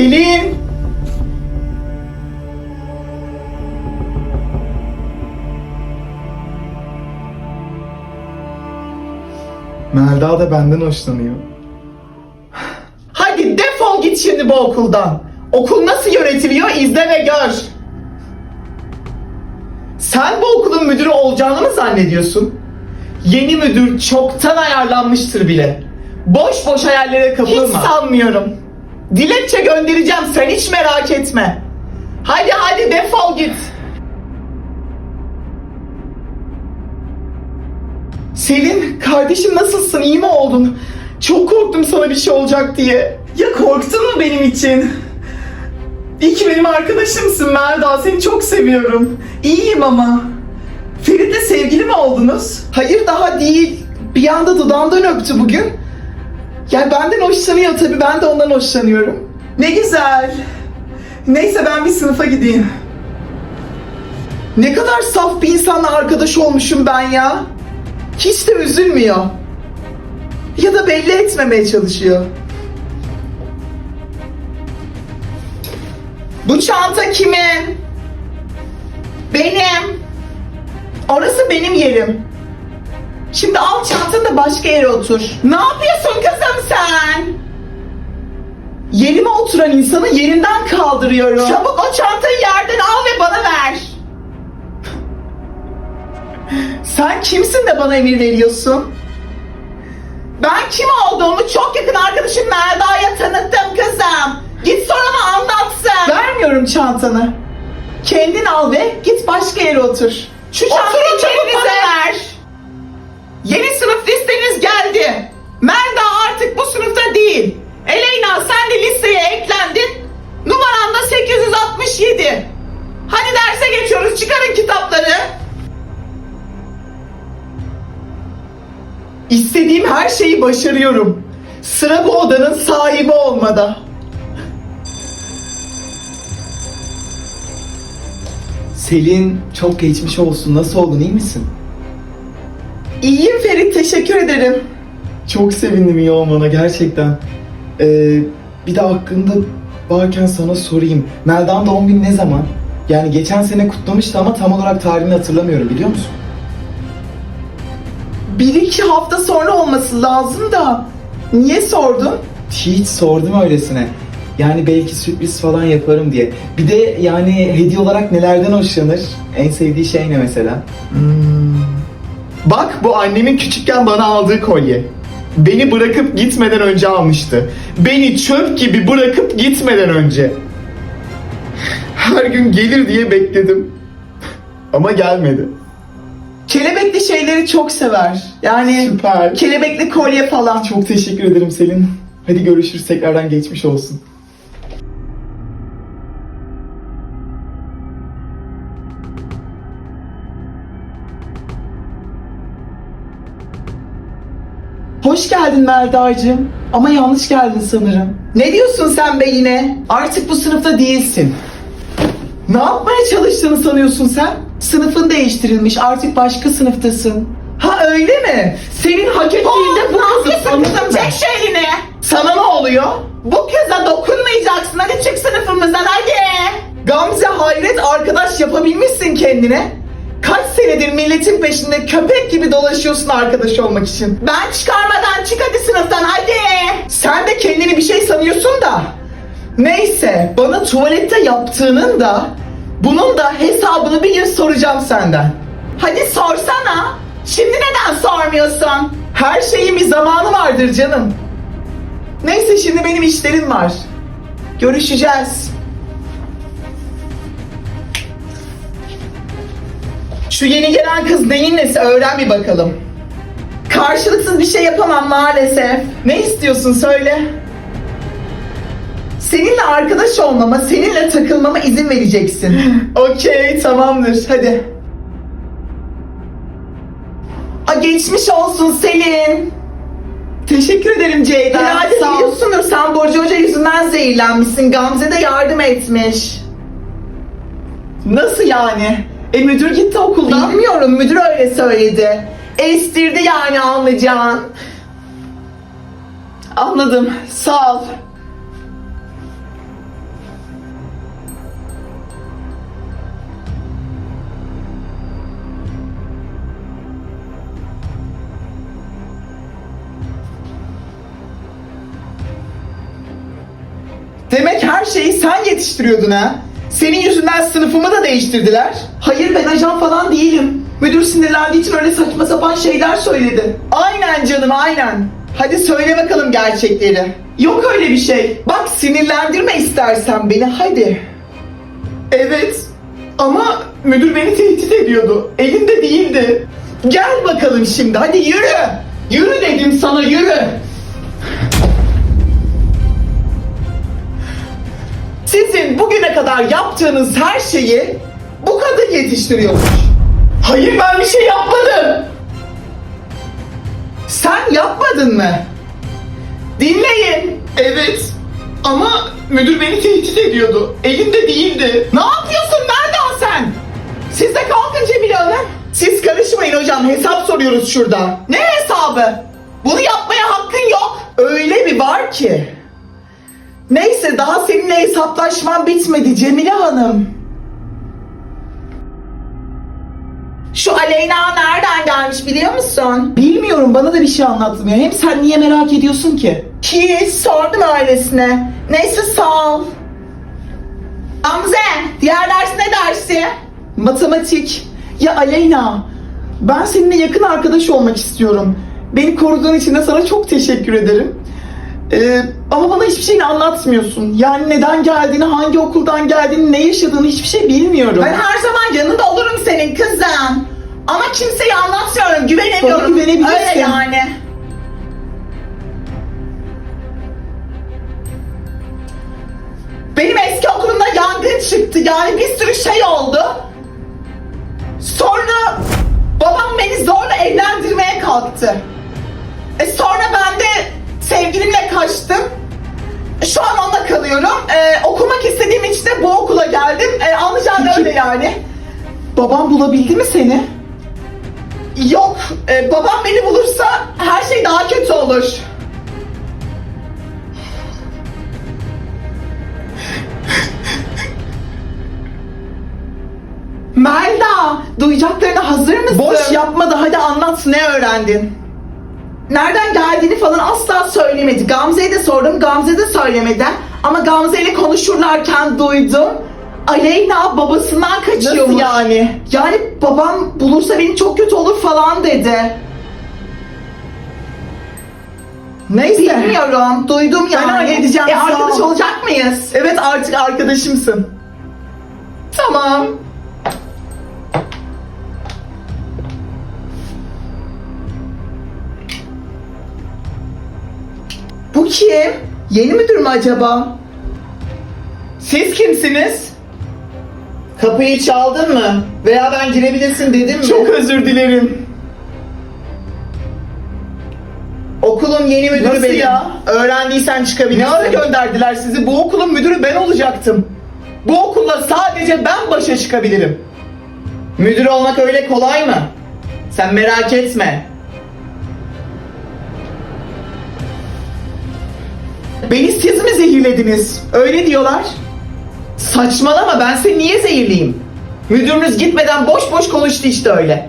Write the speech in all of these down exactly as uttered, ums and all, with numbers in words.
Selin! Melda da benden hoşlanıyor. Hadi defol git şimdi bu okuldan. Okul nasıl yönetiliyor izle ve gör. Sen bu okulun müdürü olacağını mı zannediyorsun? Yeni müdür çoktan ayarlanmıştır bile. Boş boş hayallere kapılma. Hiç sanmıyorum. Dilekçe göndereceğim, sen hiç merak etme. Hadi hadi defol git. Selin, kardeşim nasılsın? İyi mi oldun? Çok korktum sana bir şey olacak diye. Ya korktun mu benim için? İyi ki benim arkadaşımsın Melda. Seni çok seviyorum. İyiyim ama. Ferit'le sevgili mi oldunuz? Hayır, daha değil. Bir anda dudağımdan öptü bugün. Yani benden hoşlanıyor tabii. Ben de ondan hoşlanıyorum. Ne güzel. Neyse ben bir sınıfa gideyim. Ne kadar saf bir insanla arkadaş olmuşum ben ya. Hiç de üzülmüyor. Ya da belli etmemeye çalışıyor. Bu çanta kimin? Benim. Orası benim yerim. Şimdi al çantanı da başka yere otur. Ne yapıyorsun kızım sen? Yerime oturan insanı yerinden kaldırıyorum. Çabuk o çantayı yerden al ve bana ver. Sen kimsin de bana emir veriyorsun? Ben kim olduğumu çok yakın arkadaşım Melda'ya tanıttım kızım. Git sor ama anlatsın. Vermiyorum çantanı. Kendin al ve git başka yere otur. Şu çantayı çabuk bana ver. Yeni sınıf listeniz geldi. Melda artık bu sınıfta değil. Eleyna sen de listeye eklendin. Numaran da sekiz yüz altmış yedi. Hadi derse geçiyoruz. Çıkarın kitapları. İstediğim her şeyi başarıyorum. Sıra bu odanın sahibi olmada. Selin, çok geçmiş olsun. Nasıl oldun, iyi misin? İyiyim Ferit, teşekkür ederim. Çok sevindim iyi olmana gerçekten. Ee, bir de hakkında varken sana sorayım. Melda'nın doğum günü ne zaman? Yani geçen sene kutlamıştı ama tam olarak tarihini hatırlamıyorum, biliyor musun? Bir iki hafta sonra olması lazım da. Niye sordun? Hiç sordum öylesine. Yani belki sürpriz falan yaparım diye. Bir de yani hediye olarak nelerden hoşlanır? En sevdiği şey ne mesela? Hmm. Bak, bu annemin küçükken bana aldığı kolye. Beni bırakıp gitmeden önce almıştı. Beni çöp gibi bırakıp gitmeden önce. Her gün gelir diye bekledim. Ama gelmedi. Kelebekli şeyleri çok sever. Yani Süper. kelebekli kolye falan. Çok teşekkür ederim Selin. Hadi görüşürüz, tekrardan geçmiş olsun. Hoş geldin Melda'cığım. Ama yanlış geldin sanırım. Ne diyorsun sen be yine? Artık bu sınıfta değilsin. Ne yapmaya çalıştığını sanıyorsun sen? Sınıfın değiştirilmiş, artık başka sınıftasın. Ha öyle mi? Senin hak ettiğinde bu kızı sanırım. Çek şu elini. Sana ne oluyor? Bu kıza dokunmayacaksın. Hadi çık sınıfımızdan hadi. Gamze, hayret, arkadaş yapabilmişsin kendine. Kaç senedir milletin peşinde köpek gibi dolaşıyorsun arkadaş olmak için. Ben çıkarmadan çık hadi sınıftan hadi. Sen de kendini bir şey sanıyorsun da. Neyse, bana tuvalette yaptığının da bunun da hesabını bir gün soracağım senden. Hadi sorsana. Şimdi neden sormuyorsun? Her şeyin bir zamanı vardır canım. Neyse, şimdi benim işlerim var. Görüşeceğiz. Şu yeni gelen kız neyin nesi, öğren bir bakalım. Karşılıksız bir şey yapamam maalesef. Ne istiyorsun söyle. Seninle arkadaş olmama, seninle takılmama izin vereceksin. Okey, tamamdır, hadi. A, geçmiş olsun Selin. Teşekkür ederim Ceyda. Herhalde biliyorsundur, sen Borcu Hoca yüzünden zehirlenmişsin. Gamze de yardım etmiş. Nasıl yani? E müdür gitti okuldan. Bilmiyorum, müdür öyle söyledi. Estirdi yani, anlayacağın. Anladım, sağ ol. şeyi sen yetiştiriyordun ha. Senin yüzünden sınıfımı da değiştirdiler. Hayır, ben ajan falan değilim. Müdür sinirlendiği için öyle saçma sapan şeyler söyledi. Aynen canım, aynen. Hadi söyle bakalım gerçekleri. Yok öyle bir şey. Bak, sinirlendirme istersen beni, hadi. Evet ama müdür beni tehdit ediyordu. Elinde değildi. Gel bakalım şimdi, hadi yürü. Yürü dedim sana, yürü. Sizin bugüne kadar yaptığınız her şeyi bu kadın yetiştiriyormuş. Hayır, ben bir şey yapmadım. Sen yapmadın mı? Dinleyin. Evet ama müdür beni tehdit ediyordu. Elimde değildi. Ne yapıyorsun? Nereden sen? Siz de kalkın Cemile Hanım. Siz karışmayın hocam. Hesap soruyoruz şurada. Ne hesabı? Bunu yapmaya hakkın yok. Öyle bir var ki. Neyse, daha seninle hesaplaşmam bitmedi Cemile Hanım. Şu Aleyna nereden gelmiş biliyor musun? Bilmiyorum, bana da bir şey anlatmıyor. Hem sen niye merak ediyorsun ki? Ki sordum öylesine. Neyse, sağ ol. Gamze, diğer ders ne dersi? Matematik. Ya Aleyna, ben seninle yakın arkadaş olmak istiyorum. Beni koruduğun için de sana çok teşekkür ederim. Ee, ama bana hiçbir şeyini anlatmıyorsun. Yani neden geldiğini, hangi okuldan geldiğini, ne yaşadığını hiçbir şey bilmiyorum. Ben her zaman yanında olurum senin kızım. Ama kimseye anlatmıyorum, güvenemiyorum. Bana güvenebilirsin. Öyle yani. Benim eski okulumda yangın çıktı. Yani bir sürü şey oldu. Sonra babam beni zorla evlendirmeye kalktı. E sonra ben de sevgilimle kaçtım. Şu an onunla kalıyorum. Ee, okumak istediğim için de bu okula geldim. Ee, anlayacağın öyle yani. Babam bulabildi mi seni? Yok. Ee, babam beni bulursa her şey daha kötü olur. Melda, duyacaklarına hazır mısın? Boş yapma da hadi anlat, ne öğrendin? Nereden geldiğini falan asla söylemedi. Gamze'ye de sordum, Gamze de söylemedi. Ama Gamze ile konuşurlarken duydum. Aleyna babasından kaçıyormuş. Nasıl yani? Yani babam bulursa beni çok kötü olur falan dedi. Neyse. Bilmiyorum, duydum yani. Ben halledeceğim. E arkadaş olacak mıyız? Evet, artık arkadaşımsın. Tamam. Bu kim? Yeni müdür mü acaba? Siz kimsiniz? Kapıyı çaldın mı? Veya ben girebilirsin dedim mi? Çok özür dilerim. Okulun yeni müdürü Nasıl benim. Ya? Öğrendiysen çıkabilirsin. Ne ara gönderdiler sizi? Bu okulun müdürü ben olacaktım. Bu okulla sadece ben başa çıkabilirim. Müdür olmak öyle kolay mı? Sen merak etme. Beni siz mi zehirlediniz? Öyle diyorlar. Saçmalama, ben seni niye zehirleyeyim? Müdürünüz gitmeden boş boş konuştu işte öyle.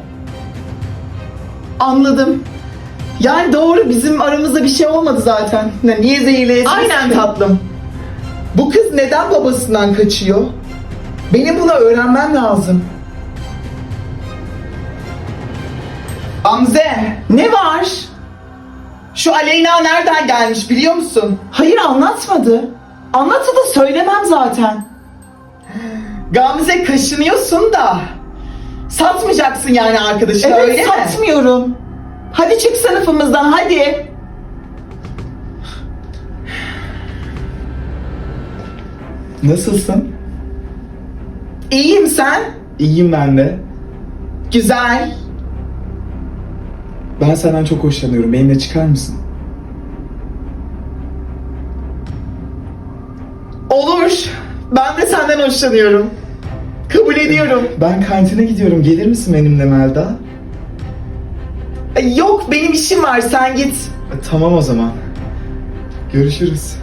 Anladım. Yani doğru, bizim aramızda bir şey olmadı zaten. Ne, niye zehirleyesin? Aynen tatlım. Bu kız neden babasından kaçıyor? Benim bunu öğrenmem lazım. Gamze, ne var? Şu Aleyna nereden gelmiş biliyor musun? Hayır, anlatmadı. Anlatsa da söylemem zaten. Gamze, kaşınıyorsun da. Satmayacaksın yani arkadaşına, evet, öyle mi? Evet, satmıyorum. Hadi çık sınıfımızdan, hadi. Nasılsın? İyiyim, sen? İyiyim ben de. Güzel. Ben senden çok hoşlanıyorum. Benimle çıkar mısın? Olur. Ben de senden hoşlanıyorum. Kabul ediyorum. Ben kantine gidiyorum. Gelir misin benimle Melda? Yok, benim işim var. Sen git. E, tamam o zaman. Görüşürüz.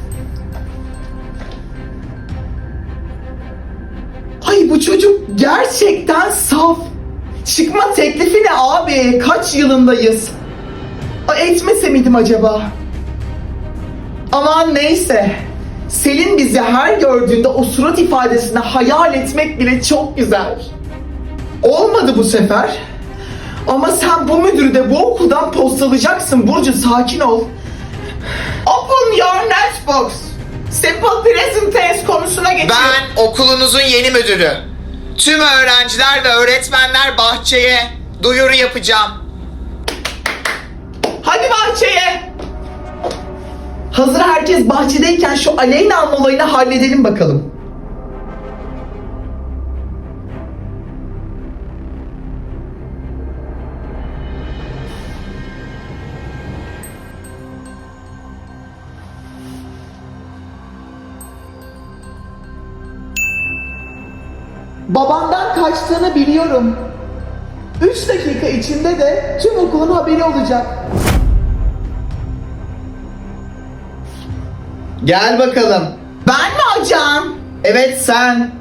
Ay, bu çocuk gerçekten saf. Çıkma teklifi ne abi? Kaç yılındayız? Ay, etmese miydim acaba? Aman neyse. Selin bizi her gördüğünde o surat ifadesini hayal etmek bile çok güzel. Olmadı bu sefer. Ama sen bu müdürü de bu okuldan postalayacaksın Burcu, sakin ol. Open your notebooks. Simple present tense konusuna geçelim. Ben okulunuzun yeni müdürü. Tüm öğrenciler ve öğretmenler bahçeye duyuru yapacağım. Hadi bahçeye. Hazır herkes bahçedeyken şu Aleyna alma olayını halledelim bakalım. Babandan kaçtığını biliyorum. Üç dakika içinde de tüm okulun haberi olacak. Gel bakalım. Ben mi hocam? Evet sen.